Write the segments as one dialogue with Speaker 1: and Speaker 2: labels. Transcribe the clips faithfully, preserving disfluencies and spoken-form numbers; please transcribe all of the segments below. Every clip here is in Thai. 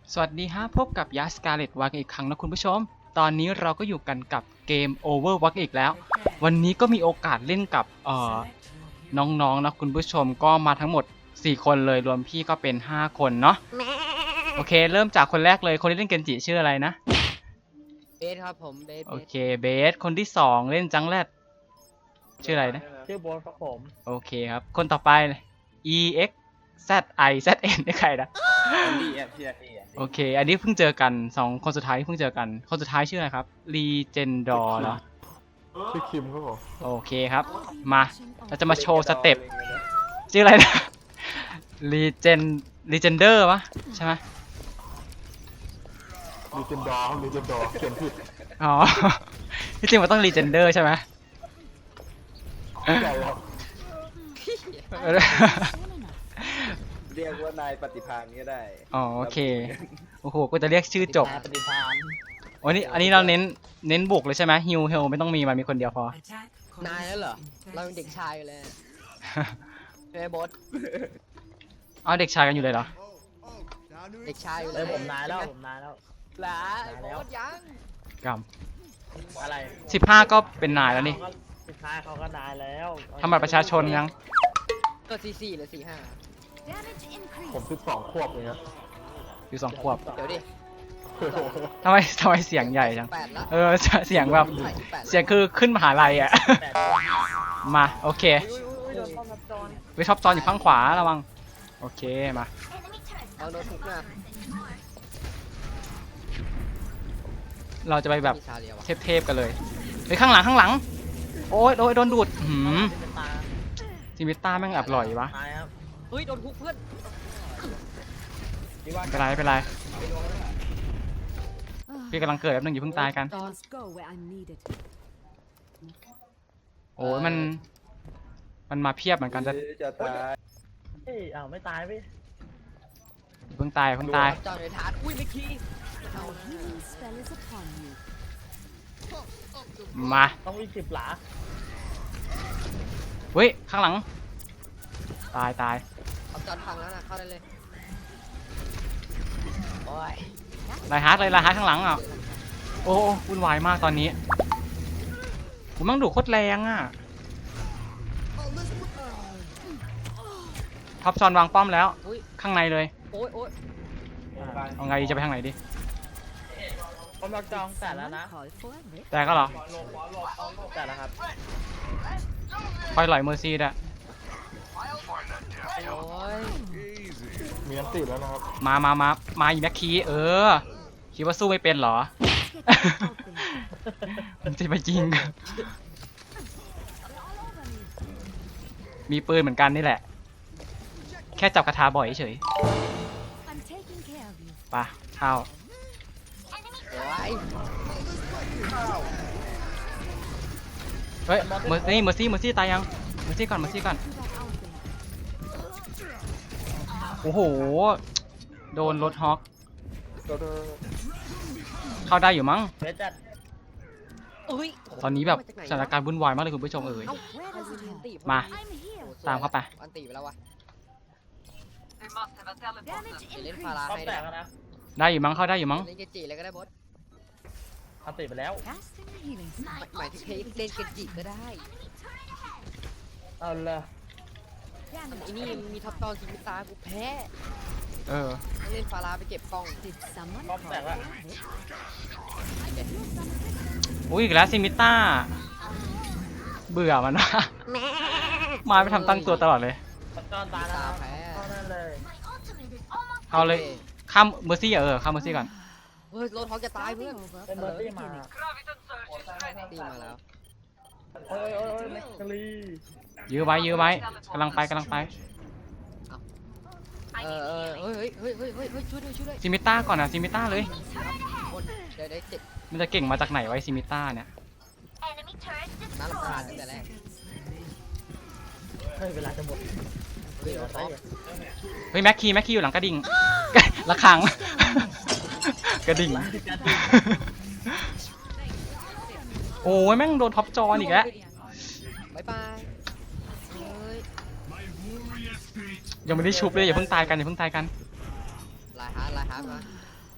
Speaker 1: สวัสดีฮะพบกับยัสการ์เล็ตวักอีกครั้งนะคุณผู้ชมตอนนี้เราก็อยู่กันกับเกม Overwatch อีกแล้ววันนี้ก็มีโอกาสเล่นกับเอ่อน้องๆนะคุณผู้ชมก็มาทั้งหมดสี่คนเลยรวมพี่ก็เป็นห้าคนเนาะโอเคเริ่มจากคนแรกเลยคนที่เล่นเกนจิชื่ออะไรนะ
Speaker 2: เบสครับผมเบส
Speaker 1: โอเคเบสคนที่สองเล่นจังแรดชื่ออะไรนะ
Speaker 3: ชื่อโบสครับผม
Speaker 1: โอเคครับคนต่อไป E X Z I Z N นี่ใครนะโอเคอันนี้เพิ่งเจอกันสองคนสุดท้ายที่เพิ่งเจอกันคนสุดท้ายชื่ออะไรครับ Legendor เหรอ
Speaker 3: ชื่อคิมครับผม
Speaker 1: โอเคครับมาเราจะมาโชว์สเต็ปชื่ออะไรนะ Legend Legender วะใช่ไหม
Speaker 3: ลีเจนดอร์ลีเจนดอร์เขียนผิด
Speaker 1: อ๋อที่จริงมันต้อง Legender ใช่ไหม
Speaker 3: ใช่ครับ
Speaker 4: เรียกว่านายปฏิภาณก็ได้
Speaker 1: อ๋อโอเคโอ้โหกูจะเรียกชื่อจบ
Speaker 2: ปฏิภาณ
Speaker 1: วันนี้อันนี้เราเน้นเน้นบุกเลยใช่ไหมฮิวเฮลไม่ต้องมีมันมีคนเดียวพ
Speaker 2: อนายแล้วเหรอเราเป็นเด็กชายอยู่เลยเฮ้ยบอส
Speaker 1: เอาเด็กชายกันอยู่เลยเหรอ
Speaker 2: เด็กชายอยู่เลย
Speaker 3: ผมนายแล้วผมนายแล้ว
Speaker 2: หลาบอสยัง
Speaker 1: กรรม
Speaker 3: อะไร
Speaker 1: สิบห้าก็เป็นนายแล้วนี่
Speaker 3: สุดท้ายเขาก็นายแล้ว
Speaker 1: ทำบัตรประชาชนยัง
Speaker 2: ก็สี่สี่หรือสี่ห้า
Speaker 3: ผมสิบสองขวบเลยครับ
Speaker 1: อยู่สองขวบ
Speaker 2: เดี๋ยวดิ
Speaker 1: ทำไมทำไมเสียงใหญ่จังเออเสียงแบบเสียงคือขึ้นมหาลัยอ่ะมาโอเคไปท็อปจอนอยู่ข้างขวาระวังโอเคมา
Speaker 2: เอาโดนทุกนะ
Speaker 1: เราจะไปแบบเทพๆกันเลยไปข้างหลังข้างหลังโอ้ยโดนโดนดูดหืมซิมิต้าแม่งแอบหล่อยวะ
Speaker 2: เฮ้ยโดนทุกเพื่อน
Speaker 1: เป็นไรเป็นไรพี่กำลังเกิดแป๊บนึงอยู่เพิ่งตายกันโอ้ยมันมันมาเพียบเหมือนกันจะ
Speaker 4: จะตาย
Speaker 3: เฮ้ยอ้าวไม่ตายพี่
Speaker 1: เพิ่งตายเพิ่งตาย
Speaker 2: จอดในฐานอุ้ยไม่คี
Speaker 1: มา
Speaker 3: ต้องวิ่งสิบหลา
Speaker 1: เฮ้ยข้างหลังตายตาย
Speaker 2: เอาจอดพังแล้วนะเข้าได้เลยโอ้ย
Speaker 1: ไลฮาร์ดเลยไลฮาร์ดข้างหลังอ่ะโอ้วุ่นวายมากตอนนี้ผมต้องดูโคตรแรงอ่ะท็อปซอนวางป้อมแล้วข้างในเลย
Speaker 2: โอ้ยโอ้ย
Speaker 1: เอาไงจะไปทางไหนดิ
Speaker 3: ผมรักจองแต่แล้วนะ
Speaker 1: แต่ก็เหรอ
Speaker 3: แต่แล้วครับ
Speaker 1: คอยหล่อยเมอร์ซี่ด้วย
Speaker 3: มีอันติดแล้วนะครับ
Speaker 1: มามามามาอีแม็กคีเออคิดว่าสู้ไม่เป็นเหรอมันจะมายิงมีปืนเหมือนกันนี่แหละแค่จับคาถาบ่อยเฉยปะเข้าเฮ้ยเมอร์ซี่เมอร์ซี่เมอร์ซี่ตายยังเมอร์ซี่ก่อนเมอร์ซี่ก่อนโอ้โหโดนรถฮอกเข้าได้อยู่มั้งตอนนี้แบบสถานการณ์วุ่นวายมากเลยคุณผู้ชมเอ๋ยมาตามเข้าไป
Speaker 2: อันตีไปแล้ววะเล่นฟาราให้ได้
Speaker 1: ได้อยู่มั้งเข้าได้อยู่มั้ง
Speaker 2: เล่นเกจิเลยก็ได้บอส
Speaker 3: อันติไปแล้ว
Speaker 2: หมายถึงเล่นเกจิก็ได้
Speaker 3: เอาละ
Speaker 2: อันนี้มีท็อปตอนซิมิตากูแพ้
Speaker 1: เออ
Speaker 2: เล่นฟาราไปเก็บกล้อง
Speaker 3: ป้อมแตกแล้ว
Speaker 1: อุ้ยอีกแล้วซิมิต้าเบื่อมันวะมาไปทำตั้งตัวตลอดเลย
Speaker 3: จอนตาแล้วแพ้เข้านั่นเลย
Speaker 1: เอาเลยข้ามเมอร์ซี่เออข้ามเมอร์ซี่ก่อน
Speaker 2: เฮ้ยโรท็อกจะตายเพื่อน
Speaker 3: เป็นเมอร์ซี่มา
Speaker 2: ตีมาแล้ว
Speaker 3: โอ้ยโอ้ยโอ้ยแม็กซ์ลี
Speaker 1: ยื้อไว้ยื้อไว้กำลังไปกำลังไป
Speaker 2: เออเออเฮ้ยเฮ้ยเฮ้ยเฮ้ยเฮ้ยช่วยด้วยช่วยด้วย
Speaker 1: ซิมิต้าก่อนนะซิมิต้าเลย
Speaker 2: เดี๋ยวได้เจ็ด
Speaker 1: มันจะเก่งมาจากไหนไว้ซิมิต้าเนี่ย
Speaker 2: น่ารำคาญตั้งแต่แรก
Speaker 3: เฮ้ยเวลาจะหมด
Speaker 1: เฮ้ยแม็กคีแม็กคีอยู่หลังกระดิ่งระฆังกระดิ่งโอ้ยแม่งโดนท็อปจอนอีกแล้ว
Speaker 2: บายบาย
Speaker 1: ยังไม่ได้ชุบเลยอย่าเพิ่งตายกันอย่าเพิ่งตายกัน
Speaker 2: ลายฮาร์ดลายฮาร์ดมา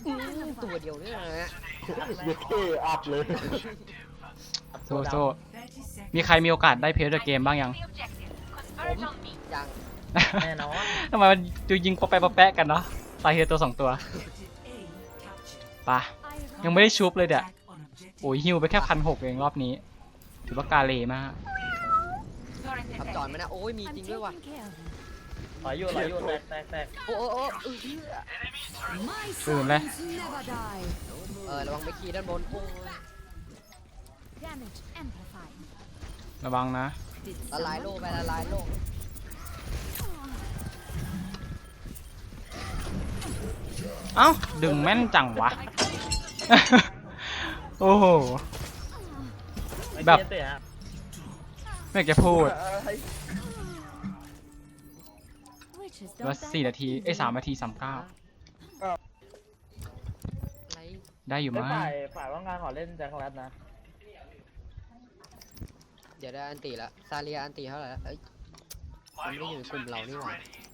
Speaker 2: อืมตัวเดียวเนี่ยนะ
Speaker 4: เด็กเท่อัพเลย
Speaker 1: โซโซมีใครมีโอกาสได้เพลย์เดอะเกมบ้างยัง
Speaker 2: ผมยัง
Speaker 3: แน่นอน
Speaker 1: ทำไมมันดูยิงปะแปะปะแปะกันเนาะตายเฮตัวสองตัวปะยังไม่ได้ชุบเลยเดี๋ยวโอ้ยฮิวไปแค่พันหกเองรอบนี้ถือว่ากาเลมาก
Speaker 2: ขับจอนไหมนะโอ้ยมีจริงด้วยว่ะ
Speaker 3: ถอยอยู่ถอยอยู่แตกแตกแตก
Speaker 2: โอ้โอ้โอ้เออ
Speaker 1: ตื่นเลย
Speaker 2: เออระวังไปขี่ด้านบนโอ้ย
Speaker 1: ระวังนะ
Speaker 2: ละลายโลกไปละลายโลก
Speaker 1: เอ้าดึงแม่นจังวะ โอ้โห แบบ
Speaker 3: ไม่เตะฮะ
Speaker 1: ไม่อยากจะพูดว่าสี่นาทีเอ้ยสามนาทีสามเก้า
Speaker 2: อะไร
Speaker 1: ได้อยู่
Speaker 3: ไม่
Speaker 1: มั้ง
Speaker 3: ฝ่ายฝ่ายว่างงานขอเล่นแจ็คแรดนะ
Speaker 2: เดี๋ยวได้อันตีละซาเลียอันตีเท่าไหร่ละเอ้ยมันไม่อยู่ในกลุ่มเรานี่หว่า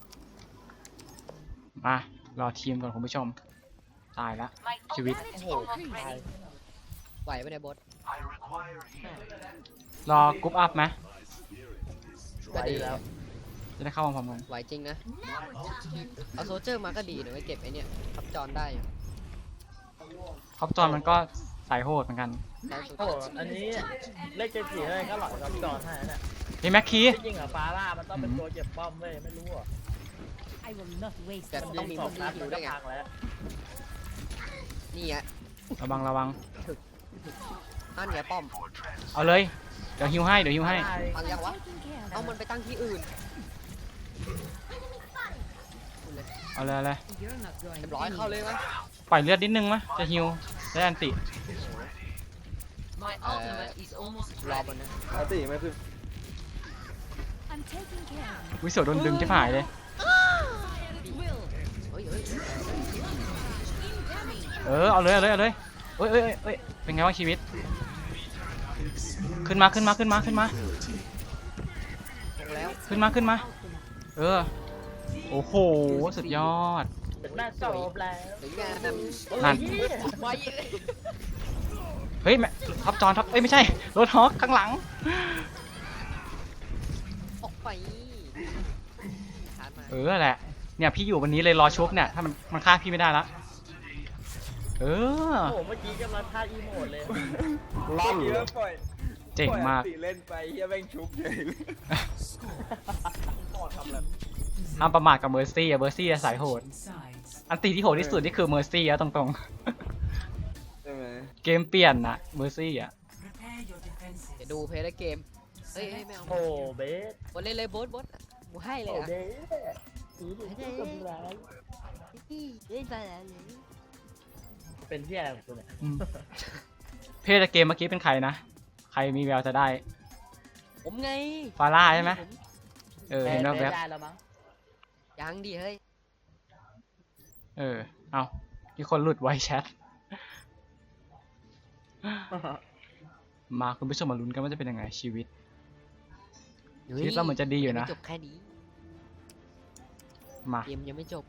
Speaker 1: มารอทีมก่อนคุณผู้ชม ตายละชีวิต
Speaker 3: โอ้โหตาย
Speaker 2: ไหวปะเนี่ยบอส
Speaker 1: รอกรุ๊ปอัพไหม
Speaker 2: ก็ดี
Speaker 3: แล้ว
Speaker 1: จะได้เข้าพร้อมๆกัน
Speaker 2: ไหวจริงนะเอาโซลเจอร์มาก็ดีเดี๋ยวไปเก็บไอ้เนี่ยขับจอนได้อยู่
Speaker 1: ครอบจอนมันก็สายโหดเหมือนกัน
Speaker 2: ได้สุด
Speaker 3: โอ้โหอันนี้เลขเจ็ดสี่เลยก็หลอดรับจอให้นะ
Speaker 1: นี่แม็กคี
Speaker 3: ที่จริงอะฟาร่ามันต้องเป็นตัวเก็บป้อมเว้ยไม่รู้อะ
Speaker 2: แต่
Speaker 3: มัน
Speaker 2: ต้องมี
Speaker 3: ส
Speaker 2: มุ
Speaker 3: อง
Speaker 2: ม
Speaker 3: นัด
Speaker 2: หิ
Speaker 3: มั
Speaker 2: วน
Speaker 3: ก็
Speaker 2: ด้วยไง
Speaker 3: พังแล้ว
Speaker 2: นี่ไง
Speaker 1: ระวังระวัง
Speaker 2: นั่นไงป้อม
Speaker 1: เอาเลย เดี๋ยวฮิวให้ เดี๋ยวฮิวให้
Speaker 2: ฟังยังวะเอามันไปตั้งที่อื่น
Speaker 1: เอาเลยเอาเลย
Speaker 2: เรียบร้อยเข้าเลยมั้ย
Speaker 1: ปล่อยเลือดนิดนึงมะจะฮิวได้อันติ
Speaker 2: เอ่อรอบนนะ
Speaker 4: อาติไม่คือ
Speaker 1: วิโสโดนดึงจะหายเลย
Speaker 2: เฮ้ยเฮ้ย
Speaker 1: เออ เอาเลย เอาเลย เอาเลยเอ้ยเอ้ยเอ้ยเอ้ยเป็นไงบ้างชีวิต ขึ้นมา ขึ้นมา ขึ้นมา ขึ้นมา
Speaker 2: ลงแล้ว
Speaker 1: ขึ้นมา ขึ้นมา เออ โอ้โห สุดยอด
Speaker 3: เป็นหน้าจบแล้ว
Speaker 2: หรืองานนั่น
Speaker 1: นั่น
Speaker 2: ไว้
Speaker 1: เฮ้ยแม่ท็อปจอนท็อปเอ้ยไม่ใช่รถฮอกข้างหลัง
Speaker 2: ออกไปชาร์จมา
Speaker 1: เออแหละ เนี่ยพี่อยู่วันนี้เลยรอชุบเนี่ย ถ้ามันมันฆ่าพี่ไม่ได้ละ เออ
Speaker 3: โอ้โหเมื่อกี้กำลังท่าอีโมดเลย
Speaker 4: ลั่นเยอะปล่อย
Speaker 1: เจ๋งมาก
Speaker 4: ปล่อยอันติเล่นไปเฮียแม่งชุบเลยปอดทำอะไร
Speaker 1: ห้ามประมาทกับเมอร์ซี่อะเมอร์ซี่อะสายโหด อันตีที่โหดที่สุดนี่คือเมอร์ซี่อะตรง
Speaker 4: ใช่ไหม
Speaker 1: ๆ เกมเปลี่ยนนะเมอร์ซี่อะ
Speaker 2: เดี๋ยวดูเพลย์ได้เกมเฮ้ยเฮ้ยไม่เอา
Speaker 3: โอ้เบส
Speaker 2: บอสเล่นเลยบอสบอสกูให้เลย
Speaker 3: โอ้
Speaker 2: อ่ะ
Speaker 3: เบสสีเหลืองก็มีร้าย
Speaker 2: เล่นไปแล้ว
Speaker 3: เป็นที่อะไรของคุณเนี่ย
Speaker 1: อืมเพศเกมเมื่อกี้เป็นใครนะ ใครมีแววจะได้
Speaker 2: ผมไง
Speaker 1: ฟาร่าใช่ไหมเออ เห็น
Speaker 3: แบ
Speaker 1: แวบ
Speaker 3: ได้แล้วมั้ง
Speaker 2: ยังดีเฮ้ย
Speaker 1: ๆเออ เอามีคนหลุดไวแชท มาคุณผู้ชมมาลุ้นกันว่าจะเป็นยังไงชีวิต ชีวิตเราเหมือนจะดีอยู่นะ
Speaker 2: จบแค่นี้
Speaker 1: มา
Speaker 2: เกมยังไม่จบ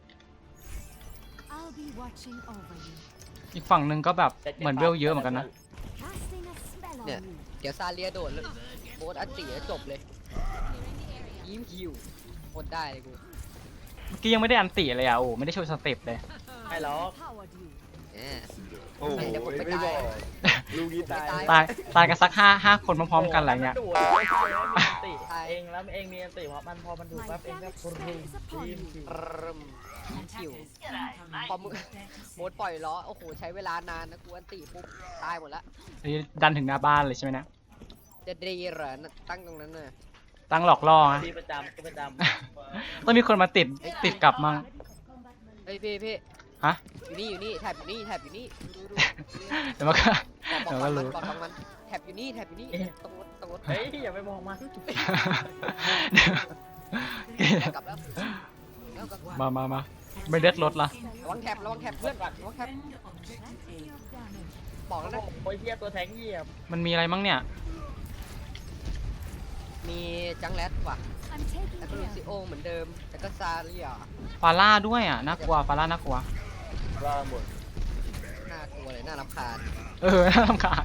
Speaker 1: อีกฝั่งหนึ่งก็แบบเหมือนเวลเยอะเหมือนกันนะ
Speaker 2: เนี่ย เดี๋ยวซาเลียโดดแล้วโบสอันตีแล้วจบเลยยิ้มคิวหมดได้เลยกู
Speaker 1: เมื่อกี้ยังไม่ได้อันติเลยอ่ะโอ้ไม่ได้โชว์สเต็ปเลย
Speaker 3: ไม่หรอก
Speaker 2: แหม
Speaker 4: โอ้โห
Speaker 2: เดี๋ยวผมไป
Speaker 4: ไม่บอก
Speaker 2: ตาย
Speaker 4: ลูกนี้ตาย
Speaker 2: ผมไป
Speaker 1: ตายตายกันสักห้าห้าคนพร้อมๆกันอะไรเงี้ย
Speaker 3: โโหมันดูดไม่ใช่ว่ามีอันติเองแล้วเองมีอันติเพราะมันพอมันดูดปั๊บเองก็ปรุงทีมทีม
Speaker 2: ปรึมคิวพอมึงโบสปล่อยล้อโอ้โหใช้เวลานานนะกูอันตีปุ๊บตายหมดละ
Speaker 1: นี่ดันถึงหน้าบ้านเลยใช่ไหมเนะ
Speaker 2: จะดีเหรอตั้งตรงนั้นน่ะ
Speaker 1: ตั้งหลอกล่อนะ
Speaker 3: ทีประจำทีประจ
Speaker 1: ต้องมีคนมาติดติดกลับมั่ง
Speaker 2: เฮ้ยพี่พี่
Speaker 1: ฮะ
Speaker 2: อยู่นี่อยู่นี่แถบอยู่นี่แถบอยู่นี่ดูดู
Speaker 1: เดี๋ยวมันก็
Speaker 2: บอ
Speaker 1: เดี๋
Speaker 2: ก
Speaker 1: ยว
Speaker 2: ฟั
Speaker 1: ก็
Speaker 2: งมัน
Speaker 1: รู้
Speaker 2: บอกฟังมันแถบอยู่นี่แถบอยู่นี่ตรงรถตรงรถ
Speaker 3: ำเฮ้ยอย่าไปมองมัน
Speaker 2: กลับแล้วแล้วกลับ
Speaker 1: มามามาไม่เลือดรถละ
Speaker 2: ระวังแถบระวังแถบเพื่อนระวังแถบบอกแล้วนะ
Speaker 3: โอ้ยเหี้ยตัวแทงเหยียบ
Speaker 1: มันมีอะไรมั่งเนี่ย
Speaker 2: มีจังแรดว่ะแล้วก็ลูซิโอเหมือนเดิมแล้วก็ซาเรีย
Speaker 1: ฟาร่าด้วยอ่ะน่ากลัวฟาร่าน่ากลัว
Speaker 4: ล่าหมด
Speaker 2: น่ากลัวเลยน่ารำคาญ
Speaker 1: เออน่ารำคาญ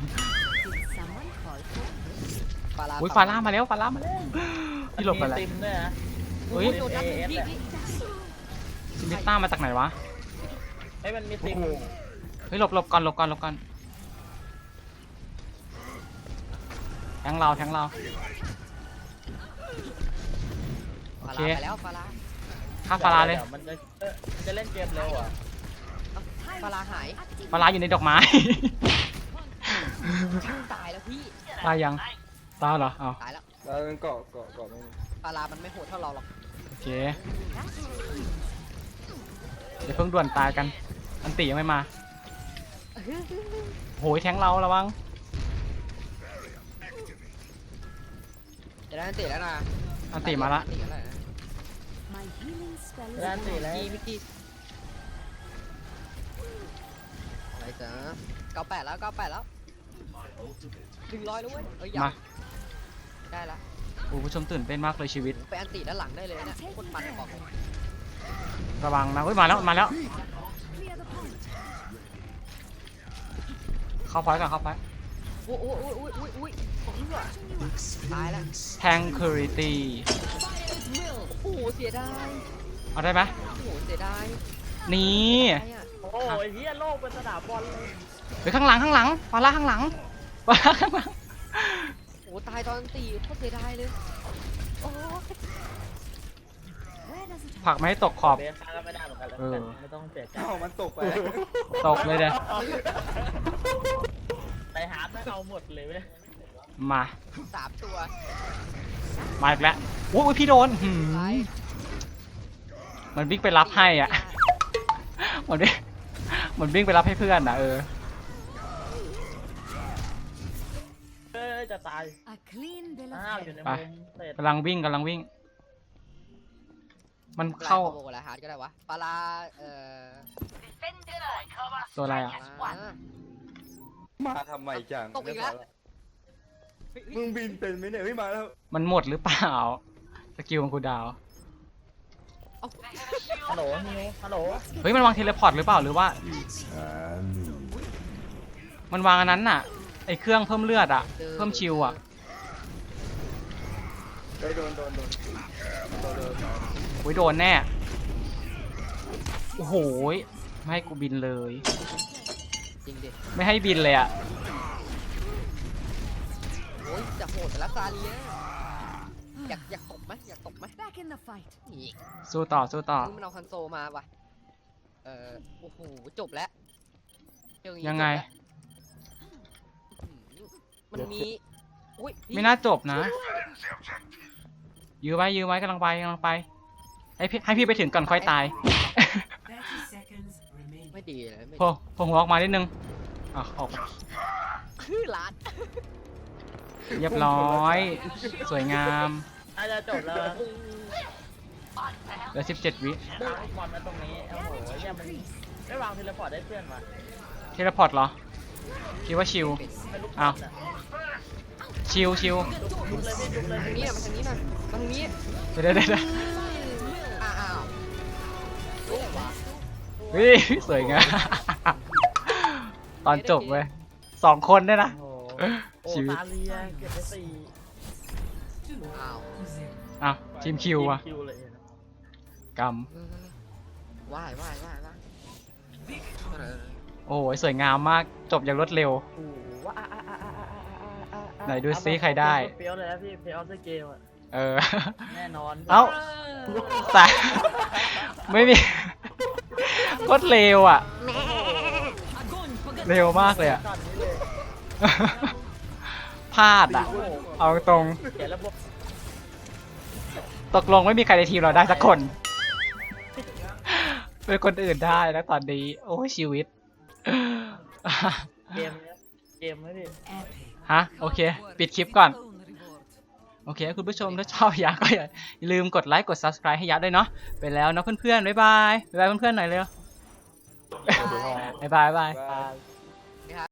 Speaker 2: ฟารา
Speaker 1: อุ้ยฟาร่ามาแล้วฟาร่ามาแล้วพี่หลบไปแล้ว
Speaker 3: มีติมด้วยนะ
Speaker 1: เฮ้ย
Speaker 2: โดนนัดหนึ่งพี่พี่
Speaker 1: ซิมิต้ามาจากไหนวะ
Speaker 3: ไอ้ยมันมีติม
Speaker 1: เฮ้ยหลบหลบก่อนหลบก่อนหลบก่อนแทงเราแทงเรา
Speaker 2: ฟา
Speaker 1: โอเค
Speaker 2: ราไปแล้วฟารา
Speaker 1: ฆ่าฟาร่าเลย
Speaker 3: ดี๋วมันจะเอ้ยมันจะเล่นเกมเร็วเหรอ่ะ
Speaker 2: เอ้าฟาราหาย
Speaker 1: ฟาร่าอยู่ในดอกไม้
Speaker 2: ตายแล้วพี่
Speaker 1: ตายยังตายเหรอเอา
Speaker 2: ตายแล้ว
Speaker 4: แล้วมันเกาะเกาะเกาะไม่มี
Speaker 2: ฟารามันไม่โหดเท่าเราหรอก
Speaker 1: โอเคเดี๋ยวเพิ่งด่วนตายกันอันติยังไม่มาโหยแทงเราระวัง
Speaker 2: จะได้อันติแล้วนะ
Speaker 1: อันติมาละ
Speaker 2: อันติแล้วนะ
Speaker 3: ร้านสี่แล้ว
Speaker 2: พี่มิกกี้อะไรจ๊ะเก้าแปดแล้วเก้าแปดแล้วหนึ่งร้อยแล้วเว้ยเอ้ยยัง
Speaker 1: มา
Speaker 2: ได้ละ
Speaker 1: โอ้ผู้ชมตื่นเต้นมากเลยชีวิต
Speaker 2: ไปอันติด้านหลังได้เลยนะโคตรมันบอกเลย
Speaker 1: ระวังนะเฮ้ยมาแล้วมาแล้วเข้าไฟก่อนเข้าไฟ
Speaker 2: โอ้โอ้โอ้โอ้โอ้โอ้ยของเหลือตายแล้ว
Speaker 1: แทงคูริตี้
Speaker 2: โอ้โหเสียดาย
Speaker 1: เอาได้ไหม
Speaker 2: โอ้โหเสียดาย
Speaker 1: นี่
Speaker 2: ไอ้อะ
Speaker 3: โอ้ยเฮียโลกเป็นสนามบอลเลย
Speaker 1: เฮ้ยข้างหลังข้างหลังฟาร่าข้างหลังฟาร่าข้างหลัง
Speaker 2: โอ้โหตายตอนตีโคตรเสียดายเลยโอ้
Speaker 1: ผลักไม่ให้ตกขอบ
Speaker 3: เบสก็ไม่ได้เหมือนกันแล้ว
Speaker 1: เออ
Speaker 3: ไม่ต้องเสียใจ
Speaker 4: เอ้ามันตกไป
Speaker 1: ตกเลยเด้
Speaker 3: ไปหาไม่เอาหมดเลยเว้ย
Speaker 1: มา
Speaker 2: สามตัว
Speaker 1: มาอีกแล้วโอ้ยพี่โดนหืม
Speaker 2: ตาย
Speaker 1: มันวิ่งไปรับให้อ่ะมันวิ่งมันวิ่งไปรับให้เพื่อนนะเออ
Speaker 3: เอ้ยจะตาย อ้าวอยู่ใน
Speaker 1: ไป
Speaker 3: มุมเสร็จ
Speaker 1: กำลังวิ่งกำลังวิ่ง มัน
Speaker 2: เข้า
Speaker 1: เข้า
Speaker 2: โบอะไรฮาร์ดก็ได้วะปลาเอ่อ
Speaker 1: ตัวอะไรอ่ะ
Speaker 2: อ่า
Speaker 4: มาทำไมจัง
Speaker 2: ตกอีกแล้ว
Speaker 4: มึงบินเป็นไหมเนี่ยเฮ้ยมาแล้ว
Speaker 1: มันหมดหรือเปล่าสกิลของคุณดาว
Speaker 3: ฮัลโหลนิวฮัลโหล
Speaker 1: เฮ้ยมันวางเทเลพอร์ตหรือเปล่าหรือว่า มันวางอันนั้นน่ะไอเครื่องเพิ่มเลือดอ่ะ เพิ่มชิลอ่ะ
Speaker 4: เฮ้ยโดนโดนโดนโดนโดน
Speaker 1: โอ้ยโดนแน่โอ้โหยไม่ให้กูบินเลย
Speaker 2: จริงดิ
Speaker 1: ไม่ให้บินเลยอ่ะ
Speaker 2: โอ้ยจะโหดแต่ละซาเลียอยากอยากตบไหมอยากตบไหม
Speaker 5: Back in the fight.
Speaker 2: นี่
Speaker 1: สู้ต่อสู้ต่อ
Speaker 2: มึงมันเอาคันโซมาว่ะเอ่อโอ้โหจบแล้วเรื่องนี้
Speaker 1: ยังไง
Speaker 2: จบแล้วอื้อหือมันมีอุ้ยพี่
Speaker 1: ไม่น่าจบนะ ยื้อไว้ยื้อไว้กำลังไปกำลังไป ให้พี่ให้พี่ไปถึงก่อนค่อยตาย
Speaker 5: thirty seconds remaining.
Speaker 2: ไม่ดีเลยไม่
Speaker 1: โผล่โผล่หัวออกมานิดนึงอ่ะออก
Speaker 2: คือร้าน
Speaker 1: เรียบร้อย สวยงาม
Speaker 3: น่าจะจบแล้ว
Speaker 1: เหลือสิบเจ็ดวิ
Speaker 3: วางบอลมาตรงนี้โอ้โหเนี่ยมันไม่วางเทเลพอร์ตได้เพื่อนวะ
Speaker 1: เทเลพอร์ตเหรอ คิดว่าชิล
Speaker 3: ไม่ลุก
Speaker 1: อ้าว
Speaker 3: น่ะ
Speaker 1: ชิลชิล
Speaker 3: ลุกเลยพี่ลุกเลย
Speaker 2: ทางนี้น่ะมาทางนี้น่ะมาทางนี้
Speaker 1: เดี๋ยวเดี๋ยวเดี๋ยว
Speaker 2: อ้าวอ้าวโอ้วะ
Speaker 1: เฮ้ยสวยงาม ตอนจบเว้ยสองคนได้นะ
Speaker 3: โอ้โหโอ้
Speaker 1: ชีวิต
Speaker 3: ตาเลียเก็บไปสี่
Speaker 2: อ้าว
Speaker 1: อ้าวทีมคิวอะ
Speaker 3: ทีมคิวเลยนะ
Speaker 1: กรรม
Speaker 2: เออว่ายว่ายว่ายว่ายเออ
Speaker 1: โอ้ยสวยงามมากจบอย่างรวดเร็ว
Speaker 3: โอ้โหว่าอ่ะอ่ะอ่ะอ่ะอ่ะอ่ะอ่ะ
Speaker 1: ไหนดูซิใครได้
Speaker 3: เฟี้ยวเลยนะพี่เฟี้ยวเซอร์เกมอะ
Speaker 1: เออ
Speaker 3: แน่นอน
Speaker 1: เอ้า แต่ ไม่มี โคตรเร็วอ่ะ เร็วมากเลยอ่ะ
Speaker 3: ก่อนนี้เลย
Speaker 1: พลาดอ่ะ เอาตรง
Speaker 3: เขียนระบบ
Speaker 1: ตกลงไม่มีใครในทีมเราได้สักคน เป็นคนอื่นได้แล้วตอนนี้ โอ้ยชีวิต
Speaker 3: เกมเนี้ยเกมไหมพี่
Speaker 5: Epic.
Speaker 1: ฮะ โอเค ปิดคลิปก่อน โอเค คุณผู้ชมถ้าชอบยาก็อย่าลืมกดไลค์กด ซับสไครบ์ ให้ยาด้วยเนาะไปแล้วเนาะเพื่อนๆ บ๊ายบาย บ๊ายบายเพื่อนๆหน่อยเร็ว บ๊ายบายบ๊ายบาย
Speaker 4: บาย